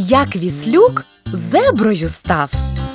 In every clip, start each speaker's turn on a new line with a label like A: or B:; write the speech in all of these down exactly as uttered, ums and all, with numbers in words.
A: Як віслюк зеброю став.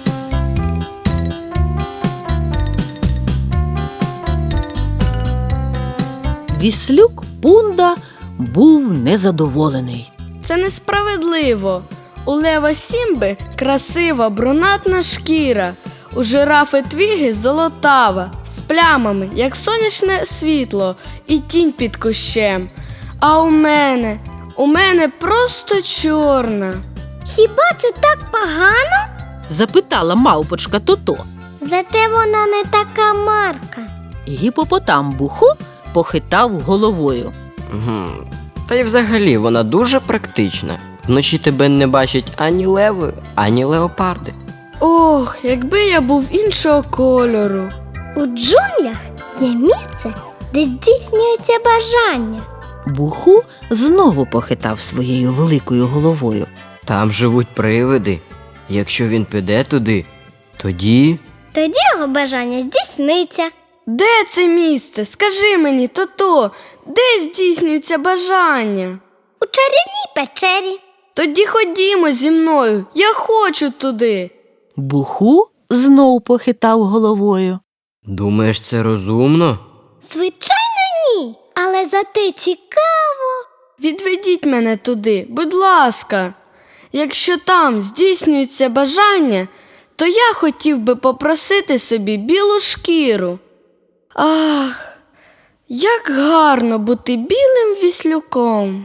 A: Віслюк Пунда був незадоволений.
B: Це несправедливо. У лева Сімби красива брунатна шкіра, у жирафи Твіги золотава, з плямами, як сонячне світло і тінь під кущем. А у мене, у мене просто чорна.
C: Хіба це так погано?
A: Запитала мавпочка Тото.
C: Зате вона не така марка.
A: Гіпопотам Буху похитав головою.
D: Угу. Та й взагалі вона дуже практична. Вночі тебе не бачать ані леви, ані леопарди.
B: Ох, якби я був іншого кольору.
C: У джунглях є місце, де здійснюється бажання.
A: Буху знову похитав своєю великою головою.
D: Там живуть привиди. Якщо він піде туди, тоді...
C: Тоді його бажання здійсниться.
B: Де це місце? Скажи мені, Тото, де здійснюється бажання?
C: У чарівній печері.
B: Тоді ходімо зі мною, я хочу туди.
A: Буху знов похитав головою.
D: Думаєш, це розумно?
C: Звичайно, ні. Але зате цікаво.
B: Відведіть мене туди, будь ласка. Якщо там здійснюється бажання, то я хотів би попросити собі білу шкіру. Ах, як гарно бути білим віслюком.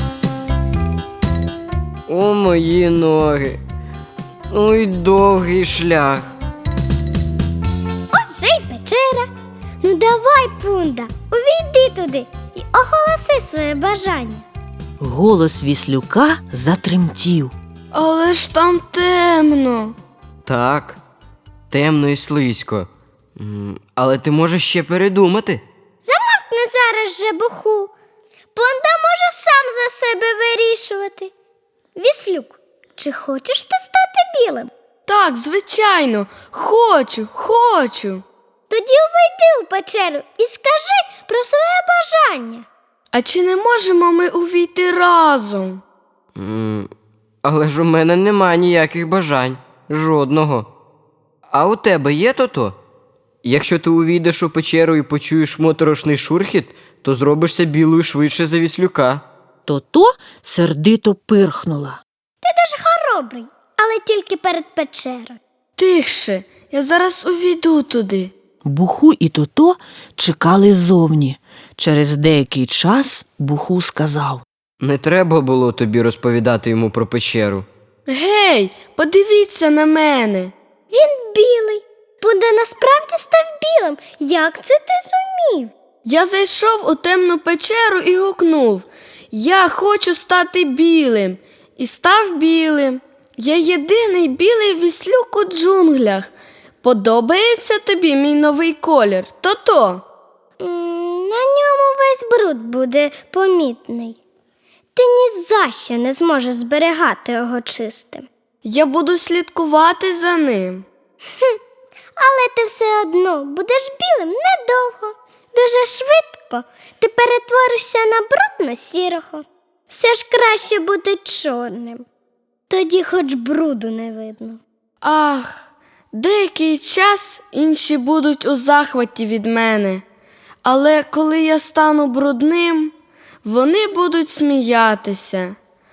D: О, мої ноги. Ой, довгий шлях.
C: Ось же й печера. Ну давай, Пунда, увійди туди і оголоси своє бажання.
A: Голос віслюка затремтів.
B: Але ж там темно.
D: Так, темно і слизько. М, Але ти можеш ще передумати.
C: Замовкни зараз же, Буху. Пунда може сам за себе вирішувати. Віслюк, чи хочеш ти стати білим?
B: Так, звичайно, хочу, хочу.
C: Тоді увійди у печеру і скажи про своє бажання.
B: А чи не можемо ми увійти разом?
D: М, Але ж у мене нема ніяких бажань. Жодного. А у тебе є то-то? Якщо ти увійдеш у печеру і почуєш моторошний шурхіт, то зробишся білою швидше за віслюка.
A: Тото сердито пирхнула.
C: Ти дуже хоробрий, але тільки перед печерою.
B: Тихше, я зараз увійду туди.
A: Буху і Тото чекали ззовні. Через деякий час Буху сказав.
D: Не треба було тобі розповідати йому про печеру.
B: Гей, подивіться на мене.
C: Він білий. Пунда насправді став білим. Як це ти зумів?
B: Я зайшов у темну печеру і гукнув: я хочу стати білим. І став білим. Я єдиний білий віслюк у джунглях. Подобається тобі мій новий колір, Тото?
C: М, На ньому весь бруд буде помітний. Ти ні за що не зможеш зберігати його чистим.
B: Я буду слідкувати за ним.
C: Але ти все одно будеш білим недовго. Дуже швидко ти перетворишся на брудно-сірого. Все ж краще бути чорним. Тоді хоч бруду не видно.
B: Ах, деякий час інші будуть у захваті від мене. Але коли я стану брудним, вони будуть сміятися.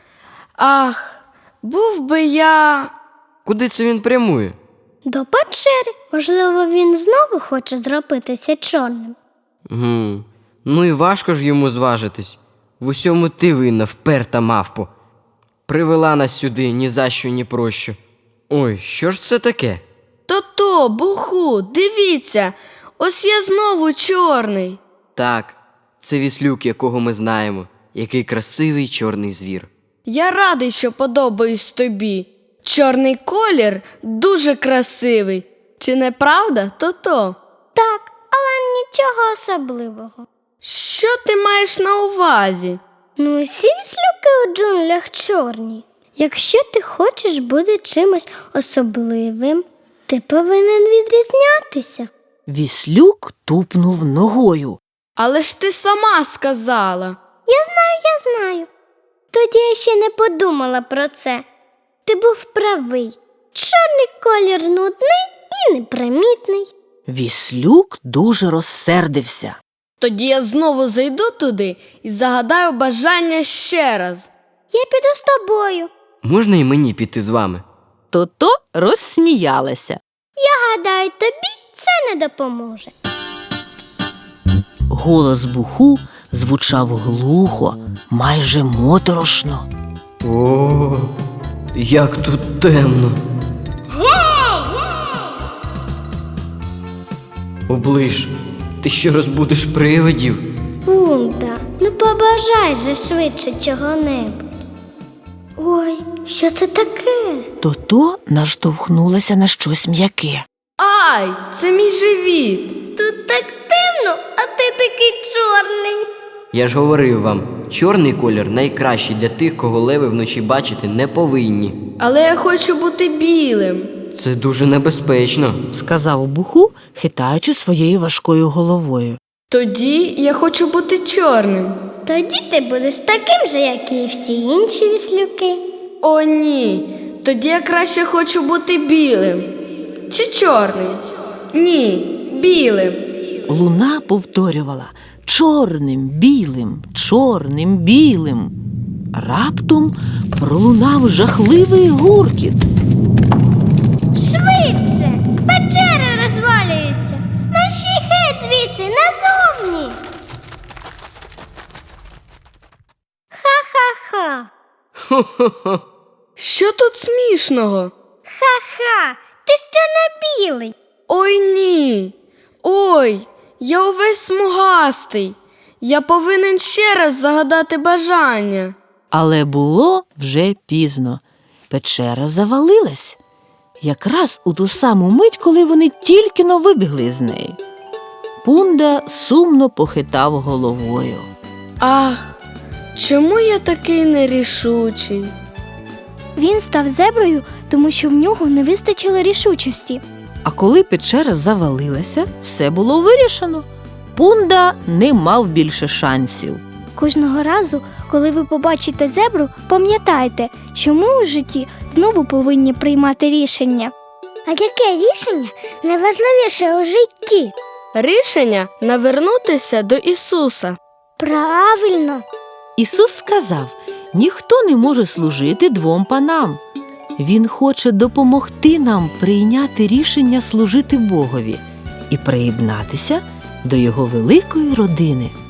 B: Ах, був би я...
D: Куди це він прямує?
C: До печери, можливо, він знову хоче зробитися чорним.
D: Гм, Ну і важко ж йому зважитись. В усьому ти винна, вперта мавпо. Привела нас сюди ні за що, ні про що. Ой, що ж це таке?
B: Тото, Буху, дивіться, ось я знову чорний.
D: Так, це віслюк, якого ми знаємо. Який красивий чорний звір.
B: Я радий, що подобаюсь тобі. Чорний колір дуже красивий. Чи не правда, Тото?
C: Так, але нічого особливого.
B: Що ти маєш на увазі?
C: Ну, всі віслюки у джунглях чорні. Якщо ти хочеш бути чимось особливим, ти повинен відрізнятися.
A: Віслюк тупнув ногою.
B: Але ж ти сама сказала.
C: Я знаю, я знаю. Тоді я ще не подумала про це. Ти був правий. Чорний колір нудний і непримітний.
A: Віслюк дуже розсердився.
B: Тоді я знову зайду туди і загадаю бажання ще раз.
C: Я піду з тобою.
D: Можна і мені піти з вами?
A: То-то розсміялася.
C: Я гадаю, тобі це не допоможе.
A: Голос Буху звучав глухо, майже моторошно.
D: О, як тут темно. Оближ, ти що розбудиш привидів?
C: Пунта, ну побажай же швидше чого-небудь. Ой, що це таке?
A: То-то наштовхнулася на щось м'яке.
B: Ай, це мій живіт.
C: Тут так темно, а ти такий чорний.
D: Я ж говорив вам, чорний колір найкращий для тих, кого леви вночі бачити не повинні.
B: Але я хочу бути білим.
D: Це дуже небезпечно.
A: Сказав Буху, хитаючи своєю важкою головою.
B: Тоді я хочу бути чорним.
C: Тоді ти будеш таким же, як і всі інші віслюки.
B: О, ні. Тоді я краще хочу бути білим. Чи чорним? Ні, білим.
A: Луна повторювала чорним, білим, чорним, білим. Раптом пролунав жахливий гуркіт.
C: Швидше! Печери розвалюються! Мерщій геть звідси, назовні! Ха-ха-ха!
B: Що тут смішного?
C: Ха-ха! Ти ще не білий!
B: Ой, ні. Ой, я увесь смугастий. Я повинен ще раз загадати бажання.
A: Але було вже пізно. Печера завалилась. Якраз у ту саму мить, коли вони тільки-но вибігли з неї. Пунда сумно похитав головою.
B: Ах, чому я такий нерішучий?
C: Він став зеброю, тому що в нього не вистачило рішучості.
A: А коли печера завалилася, все було вирішено. Пунда не мав більше шансів.
C: Кожного разу, коли ви побачите зебру, пам'ятайте, що ми у житті знову повинні приймати рішення. А яке рішення найважливіше у житті?
B: Рішення навернутися до Ісуса.
C: Правильно.
A: Ісус сказав, ніхто не може служити двом панам. Він хоче допомогти нам прийняти рішення служити Богові і приєднатися до Його великої родини.